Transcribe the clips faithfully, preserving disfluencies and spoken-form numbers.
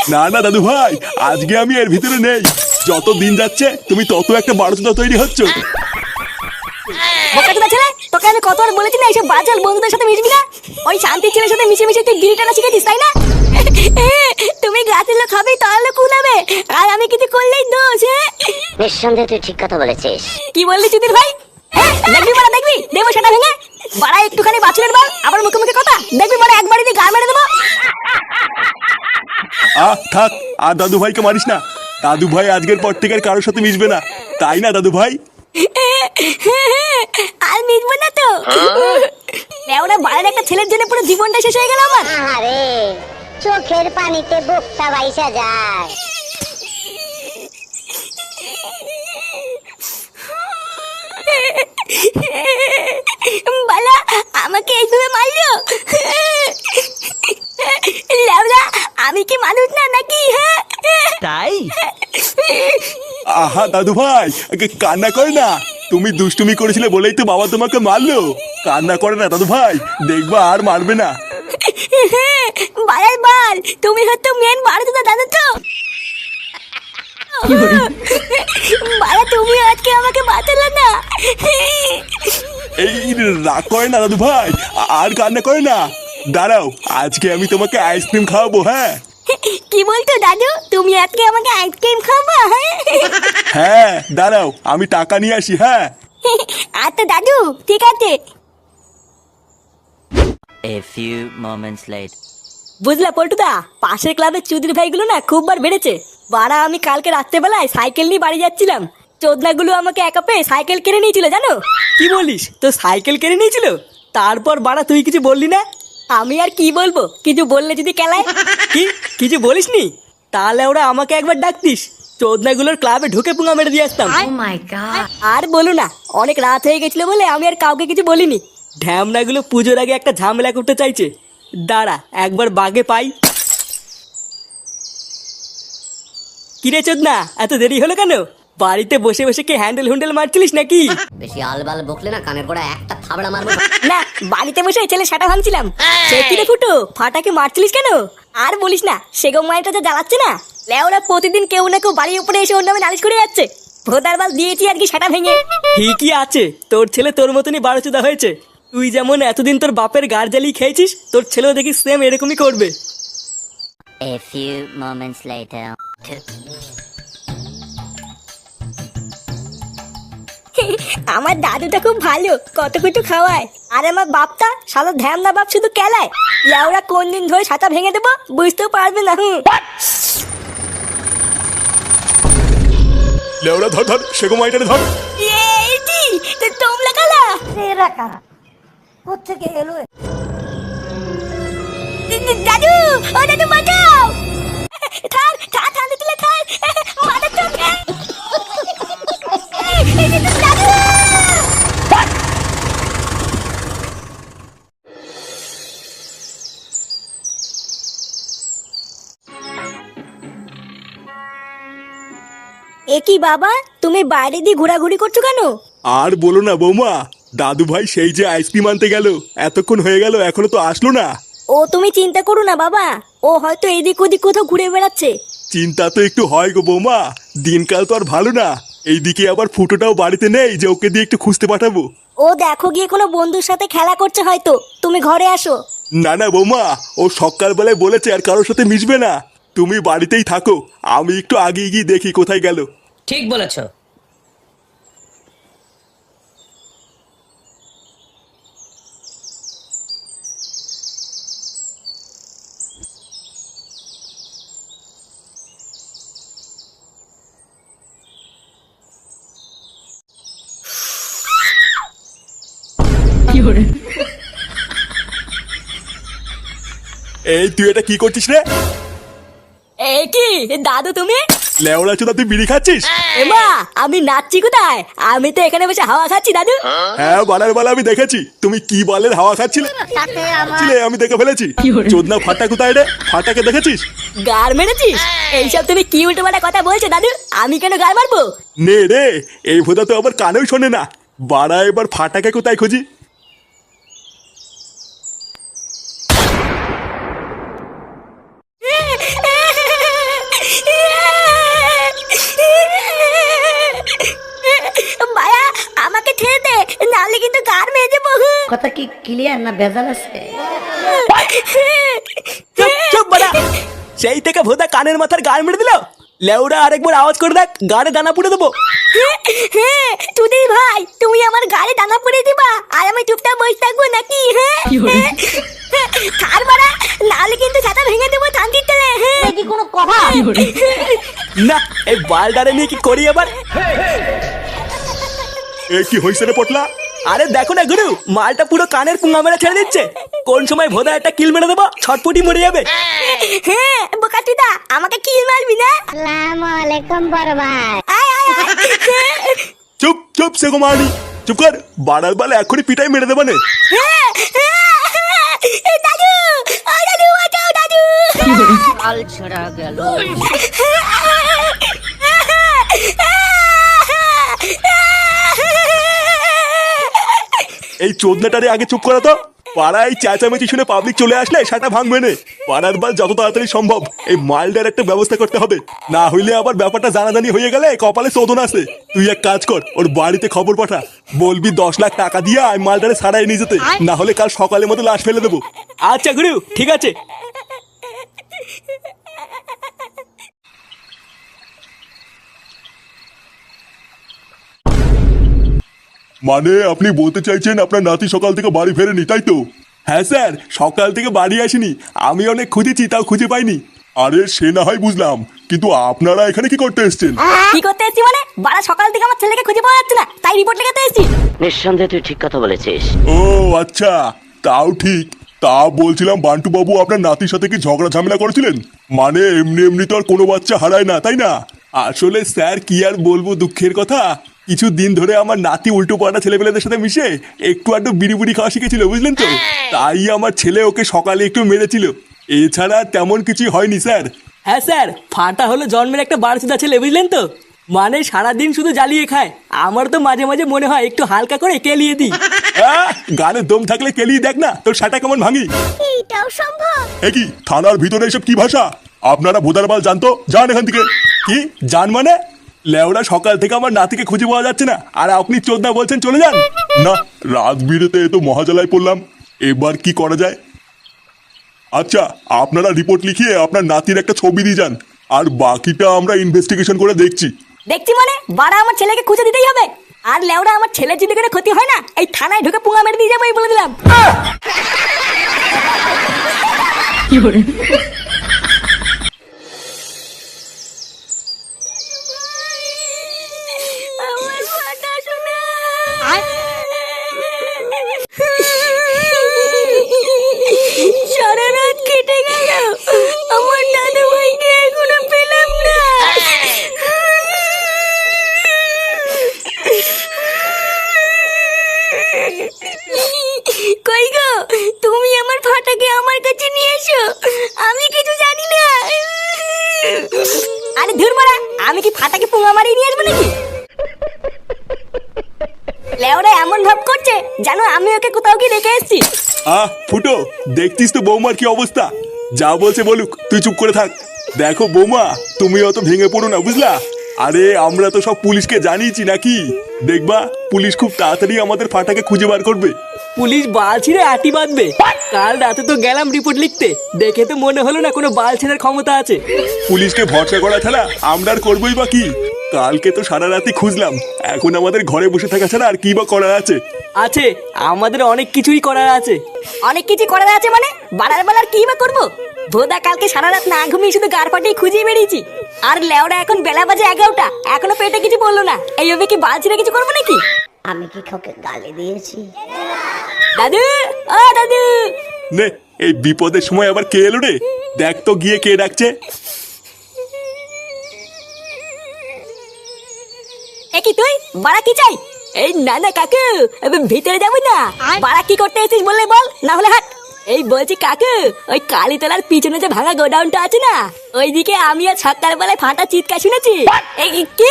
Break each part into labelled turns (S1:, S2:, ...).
S1: না না দাদু ভাই, আজকে আমি এর ভিতরে নেই। যত দিন যাচ্ছে তুমি তত একটা বারোচোদা তৈরি হচ্ছ।
S2: বোকাচোদা ছেলে, তোকে আমি কতবার বলেছি না এইসব বাজার বন্ধুদের সাথে মিশবি না। ওই শান্তির ছেলের সাথে মিশে মিশে তুই গিরিটা না শিখেছিস, তাই না? তুমি গাছের লোক খাবে তাহলে কুলাবে, আর আমি কিছু করলেই দোষ। হ্যাঁ
S3: নিঃসন্দেহে তুই ঠিক কথা বলেছিস।
S2: কি বললি চুদির ভাই? হ্যাঁ, দেখবি বড়া, দেখবি দেবো সেটা ভেঙে। বাড়া একটুখানি বাছুরের বল, আবার মুখে মুখে কথা, দেখবি বড়া একবারই দিয়ে গাল মেরে দেবো।
S1: আহ থাক, আর দাদু ভাইকে মারিস না। দাদু ভাই আজকের পর থেকে আর কারোর সাথে মিশবে না, তাই না দাদু ভাই?
S2: আর মিটবো না তো। ওরা বাড়ির একটা ছেলের জন্য পুরো জীবনটা শেষ হয়ে গেল আমার।
S3: আরে চোখের পানিতে বুকটা বাইসা যায়।
S2: বালা আমাকে এইভাবে মারলো। লেওরা আমি কি মানুষ না নাকি? হ্যাঁ
S4: তাই
S1: আহা দাদু ভাই, কান্না করে না। তুমি দুষ্টুমি করেছিলে বলেই তো বাবা তোমাকে মারলো। কান্না করে না দাদু ভাই, দেখবা আর মারবে না।
S2: বালার বাল, তুমি হয়তো মেন বাড়িতে জানো তো। বালা তুমি আজকে আমাকে বাঁচালে না।
S1: এই রাগ করে না দাদু ভাই, আর কান্না করে না। দাঁড়াও, আজকে আমি তোমাকে আইসক্রিম খাওয়াবো। হ্যাঁ
S2: কি বলতো দাদু, তুমি আজকে আমাকে আইসক্রিম খাবা?
S1: হ্যাঁ দাঁড়াও, আমি টাকা নিয়ে আসি। হ্যাঁ
S2: আচ্ছা দাদু, ঠিক আছে।
S4: A few moments later.
S2: বুঝলা পল্টুদা, পাশের ক্লাবের চুদির ভাইগুলো না খুব বার বেড়েছে। বাড়া আমি কালকে রাত্রেবেলায় সাইকেল নিয়ে বাড়ি যাচ্ছিলাম, চোদনাগুলো আমাকে একা পেয়ে সাইকেল কিনে নিয়েছিল জানো।
S5: কি বলিস, তো সাইকেল কিনে নিয়েছিল? তারপর বাড়া তুই কিছু বললি না?
S2: আমি আর কি বলবো, কিছু বললে যদি কেলায়।
S5: কি কিছু বলিসনি? তাহলে ওরা আমাকে একবার ডাকতিস, চোদনাগুলোর ক্লাবে ঢুকে পুঙা মেরে দিয়ে আসতাম।
S2: আর বলো না, অনেক রাত হয়ে গেছিল বলে আমি আর কাউকে কিছু বলিনি।
S5: ঢ্যামনাগুলো পুজোর আগে একটা ঝামেলা করতে চাইছে। দাঁড়া একবার বাগে পাই। কিরে চোদনা, এত দেরি হলো কেন? বাড়িতে বসে বসে কি হ্যান্ডেল হুন্ডেল মারছিলিস নাকি?
S3: বেশি আলবাল বকলে না কানের গোড়া একটা থাবড়া মারবো।
S2: না, বাড়িতে বসে ছেলে সাটা ভাঙছিলাম। সে কি রে ফুটো, ফাটাকে মারছিলিস কেন? আর বলিস না, সেগো মায়েরটা যা জ্বালাচ্ছে না। লেওরা প্রতিদিন কেউ না কেউ বাড়ির উপরে এসে ওর নামে নালিশ করে যাচ্ছে। ভোদার বাল দিয়েছি আর কি সাটা ভেঙে।
S5: ঠিকই আছে, তোর ছেলে তোর মতনই বারোচোদা হয়েছে। তুই যেমন এতদিন তোর বাপের গার জ্বালিয়ে খেয়েছিস, তোর ছেলেও দেখি সেম এরকমই করবে।
S3: A few moments later.
S2: আমার দাদুটা খুব ভালো, কত কিছু খাওয়ায়। আর আমার বাপটা সাদা ধ্যান না, বাপ শুধু কেলায়। লেওরা কোন দিন ধরে ছাতা ভেঙে দেবো বুঝতেও পারবে না। হুম
S1: লেওরা ধর ধর, সেগো মাইটারে ধর।
S2: এইটি তোমরা কালা
S3: এরা কারা? কোত্থেকে এলো?
S2: দাদু, ও দাদু বাঁচাও। থার থার থার দিলে থার মারা চোখে। দাদু এ কি বাবা, তুমি বাইরে দিয়ে ঘোরাঘুরি করছো কেন?
S1: আর বলো না বৌমা, দাদু ভাই সেই যে আইসক্রিম আনতে গেল, এতক্ষণ হয়ে গেল এখনো তো আসলো না।
S2: ও তুমি চিন্তা করো না বাবা, ও হয়তো এদিক ওদিক কোথাও ঘুরে বেড়াচ্ছে।
S1: চিন্তা তো একটু হয় গো বৌমা, দিনকাল তো আর ভালো না। এইদিকে আবার ফুটোটাও বাড়িতে নেই যে ওকে দিয়ে একটু খুঁজতে পাঠাবো।
S2: ও দেখো গিয়ে কোনো বন্ধুর সাথে খেলা করছে হয়তো, তুমি ঘরে আসো।
S1: না না বৌমা, ও সকালবেলায় বলেছে আর কারোর সাথে মিশবে না। তুমি বাড়িতেই থাকো, আমি একটু আগে গিয়ে দেখি কোথায় গেল।
S6: ঠিক বলেছো।
S1: এই তুই এটা কি করছিস রে?
S2: এই কি দাদু তুমি?
S1: লেওড়া চোদা, তুই বিড়ি খাচ্ছিস?
S2: এমা আমি নাচছি কোথায়? আমি তো এখানে বসে হাওয়া খাচ্ছি দাদু।
S1: হ্যাঁ বালার বালা, আমি দেখেছি তুমি কি বলের হাওয়া খাচ্ছিলে। ছিলে, আমি দেখে ফেলেছি। চোদনা ফাটা কোথায় রে? ফাটাকে দেখেছিস?
S2: গার মেরেছিস? এইসব তুমি কি উল্টো পাল্টা কথা বলছো দাদু? আমি কেন গার মারবো?
S1: নে রে, এই ভোদা তো আবার কানেও শোনে না। বাড়া, এবার ফাটাকে কোথায় খুঁজি?
S6: ক্লিয়ার না ভেজাল আছে?
S5: চুপ চুপ বাড়া। সেই থেকে ভোদা কানের মাথার গান মেরে দিল। লেউরা আরেকবার আওয়াজ করে দেখ, গানে দানা পুড়ে দেবো।
S2: হ্যাঁ তুই ভাই, তুমি আমার গাড়ি দানা পরে দিবা আর আমি চুপচাপ বসে থাকবো নাকি? হ্যাঁ কার মারা, নাহলে কিন্তু ছাতা ভেঙে দেবো থানকির তেলে। হ্যাঁ
S3: কি কোনো কথা?
S5: না এই বালডারে নিয়ে কি করি এবার?
S1: এ কি হইছে রে পটলা?
S5: আরে দেখো না গুরু, মালটা পুরো কানের পুঙ্গা মেরে ছেড়ে দিচ্ছে। কোন সময় ভোদা একটা কিল মেরে দেবো, ছটপটি মরে যাবে।
S2: হ্যাঁ বোকাটিদা, আমাকে কি মারবি না?
S3: আসসালামু আলাইকুম বড় ভাই।
S2: আয় আয় আয়।
S1: চুপ চুপ সেগো মারি, চুপ কর। বাড়ার বালে এখনই পিটাই মেরে দেবানে।
S2: হ্যাঁ, হ্যাঁ, দাদু, ও দাদু বাঁচাও দাদু।
S6: আল ছড়া গেল।
S1: এই চোদনাটারে আগে চুপ করা তো। পাড়ায় চেঁচামেচি শুনে পাবলিক চলে আসলে সেটা ভাঙবে না। পাড়ার বাল যত তাড়াতাড়ি সম্ভব এই মালটার একটা ব্যবস্থা করতে হবে, না হইলে আবার ব্যাপারটা জানাজানি হয়ে গেলে কপালে শোধন আছে। তুই এক কাজ কর, ওর বাড়িতে খবর পাঠা, বলবি দশ লাখ টাকা দিয়ে আমি মালটারে ছাড়াই নিয়ে যেতে, না হলে কাল সকালের মতো লাশ ফেলে দেবো।
S5: আচ্ছা গুরু ঠিক আছে।
S1: মানে আপনি বলতে চাইছেন আপনার নাতি সকাল থেকে বাড়ি ফেরেনি, তাই তো? হ্যাঁ স্যার, সকাল থেকে বাড়ি আসেনি। আমি অনেক খুঁজেছি, তাও খুঁজে পাইনি। আরে সে না হয় বুঝলাম, কিন্তু আপনারা এখানে কি করতে এসেছেন?
S2: কি করতে এসেছি মানে? বাড়া সকাল থেকে আমার ছেলেকে খুঁজে পাওয়া যাচ্ছে না, তাই রিপোর্ট লেখাতে এসেছি।
S4: নিঃসন্দেহে তুই ঠিক কথা বলেছিস।
S1: ও আচ্ছা, তাও ঠিক। তা বলছিলাম বান্টু বাবু আপনার নাতির সাথে কি ঝগড়া ঝামেলা করেছিলেন? মানে এমনি এমনি তো আর কোনো বাচ্চা হারায় না, তাই না? আসলে স্যার কি আর বলবো দুঃখের কথা, কিছু দিন ধরে আমার নাতি উল্টো পাল্টা ছেলেপেলেদের সাথে মিশে একটু আধটু বিড়ি বুড়ি খাওয়া শিখেছিল, বুঝলেন তো? তাই আমার ছেলে ওকে সকালে একটু মেরেছিল। এছাড়া তেমন কিছুই হয়নি স্যার।
S5: হ্যাঁ স্যার, ফাটা হলো জন্মের একটা বারোচোদা ছেলে, বুঝলেন তো? মানে সারাদিন শুধু জ্বালিয়ে খায়। আমার তো মাঝে মাঝে মনে হয় একটু হালকা করে কেলিয়ে দিই।
S1: আহ, গানে দম থাকলে কেলিয়ে দেখ না তোর সাটা কেমন ভাঙি।
S2: এটাও সম্ভব?
S1: এ কি থানার ভিতরে এসব কি ভাষা? আপনারা ভোদার বাল জানতো, যান এখান থেকে। কি জান মানে? লেওরা সকাল থেকে আমার নাতিকে খুঁজে পাওয়া যাচ্ছে না, আর আপনি চোদনা বলছেন চলে যান? না, রাত বিরেতে তো মহাজালায় পড়লাম, এবার কি করা যায়? আচ্ছা, আপনারা রিপোর্ট লিখিয়ে আপনার নাতির একটা ছবি দিয়ে যান, আর বাকিটা আমরা ইনভেস্টিগেশন করে দেখছি।
S2: দেখছি মানে? বাড়া আমার ছেলেকে খুঁজে দিতেই হবে। আর লেওরা আমার ছেলের যদি কোনো ক্ষতি হয় না, এই থানায় ঢুকে পুঙ্গা মেরে দিয়ে যাবো, এই বলে দিলাম। আমার ফাটা শোনা। সারা রাত কেটে গেল, আমার দাদু ভাইকে এখনো পেলাম না। কই গো, তুমি আমার ফাটাকে আমার কাছে নিয়ে এসো, আমি কিছু জানি না। আরে ধুর মারা, আমি কি ফাটাকে পুঙ্গা মারিয়ে নিয়ে আসবো নাকি? লেওরা এমন ভাব করছে জানো আমি ওকে কোথাও কি রেখে এসেছি।
S1: আহ ফুটো, দেখতিস তো বৌমার কি অবস্থা। যা বলছে বলুক, তুই চুপ করে থাক। দেখো বৌমা, তুমি অত ভেঙে পড়ো না, বুঝলা? আরে আমরা তো সব পুলিশকে জানিয়েছি নাকি, দেখবা পুলিশ খুব তাড়াতাড়ি আমাদের ফাটাকে খুঁজে বার করবে।
S5: পুলিশ বাল ছিঁড়ে আটি বাঁধবে। কাল রাতে তো গেলাম রিপোর্ট লিখতে, দেখে তো মনে হলো না কোনো বাল ছেঁড়ার ক্ষমতা আছে।
S1: পুলিশকে ভরসা করা ছাড়া আমরা আর করবোই বা কি? কালকে তো সারা রাতি খুঁজলাম, এখন আমাদের ঘরে বসে থাকা ছাড়া আর কি বা করার আছে?
S5: আছে, আমাদের অনেক কিছুই করার আছে।
S2: অনেক কিছু করার আছে মানে? বাড়ার বেলার কি বা করবো? ভোদা কালকে সারা রাত না ঘুমিয়ে শুধু গার ফাটিয়ে খুঁজে বেরিয়েছি। আর লেওরা এখন বেলা বাজে এগারোটা, এখনো পেটে কিছু বললো না। এইভাবে কি বাল ছিঁড়ে কিছু করবো নাকি?
S6: আমি কি কাউকে গালি দিয়েছি?
S2: দাদু, ও দাদু।
S1: নে, এই বিপদের সময় আবার কে এলো রে? দেখ তো গিয়ে কে ডাকছে।
S2: এ কি তুই? বাড়া কি চাই? এই না না কাকু, এবার ভিতরে যাবো না। বাড়া কি করতে এসেছিস বললে বল, না হলে হাট। এই বলছি কাকু, ওই কালীতলার পিছনে যে ভাঙা গোডাউনটা আছে না, ওইদিকে আমি আর সকালবেলায় ফাটা চিৎকার শুনেছি। এই কি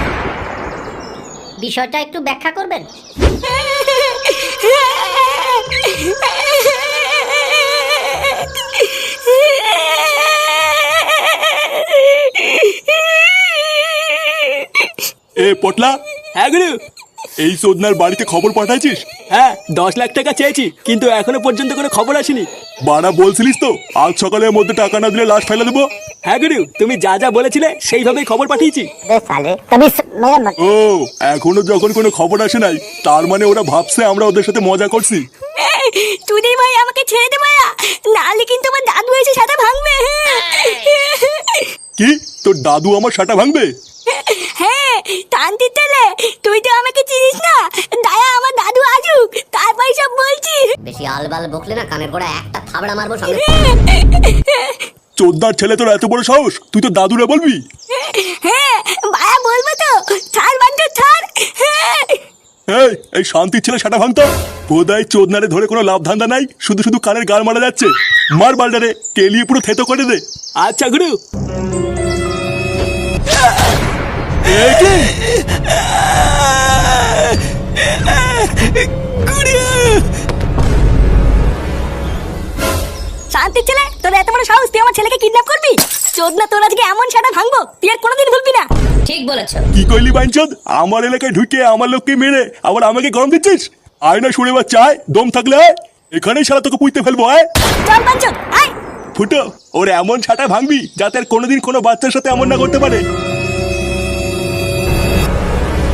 S6: বিষয়টা একটু ব্যাখ্যা করবেন?
S1: এ পটলা,
S5: হ্যাঁ গুরু।
S1: এই সোদনার বাড়িতে খবর পাঠাইছিস?
S5: হ্যাঁ দশ লাখ টাকা চেয়েছি, কিন্তু এখনো পর্যন্ত কোনো খবর আসেনি।
S1: বাড়া বলছিলিস তো আজ সকালের মধ্যে টাকা না দিলে লাশ ফেলে দেবো।
S5: হ্যাঁ গুরু, তুমি যা যা বলেছিলে সেইভাবেই খবর পাঠিয়েছি।
S3: बे साले कभी स- मेरा मत
S1: ও এখনো যখন কোনো খবর আসে নাই, তার মানে ওরা ভাবছে আমরা ওদের সাথে মজা করছি।
S2: চুদির ভাই আমাকে ছেড়ে দে ভাইয়া, নাহলে কিন্তু আমার দাদু এসে সাথে ভাঙবে।
S1: কি তোর দাদু আমার সাটা ভাঙবে?
S2: হ্যাঁ তান্তির তেলে, তুই তো আমাকে চিনিস না। দায়া আমার দাদু আসুক, তারপর সব বলছি।
S6: বেশি আলবাল বকলে না কানের গোড়া একটা থাবড়া মারবো সঙ্গে।
S1: চোদ্দার ছেলে তোর এত বড় সাহস, তুই তো দাদুরে বলবি?
S2: হ্যাঁ ভাইয়া বলবো তো, ছাড় বান্টু ছাড়।
S1: এই এই শান্তির ছেলে সাটা ভাঙতো বোধহয় চোদনারে ধরে কোনো লাভ ধান্দা নাই, শুধু শুধু কানের গাল মারা যাচ্ছে। মার বালটারে কেলিয়ে পুরো থেতো করে দে।
S5: আচ্ছা গুরু।
S1: এ কি?
S2: শান্তির ছেলে, তোর এত বড় সাহস, তুই আমার ছেলেকে কিডন্যাপ করবি? চোদনা তোর আজকে এমন সাটা ভাঙবো তুই আর কোনোদিন ভুলবি না।
S6: ঠিক বলেছো।
S1: কি কইলি বাইনচোদ? আমার এলাকায় ঢুকে আমার লোককে মেরে আবার আমাকে গরম দিচ্ছিস? আয় না শুনে বাচ্চা, আয় দম থাকলে আয়, এখানেই সারা তোকে পুঁতে ফেলবো। আয়
S2: চল বাঞ্চদ আয়।
S1: ফুটো, ওর এমন ছাটা ভাঙবি যাতে আর কোনোদিন কোনো বাচ্চার সাথে এমন না করতে পারে।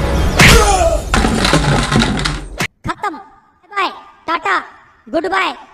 S3: खत्म बाय टाटा गुड बाय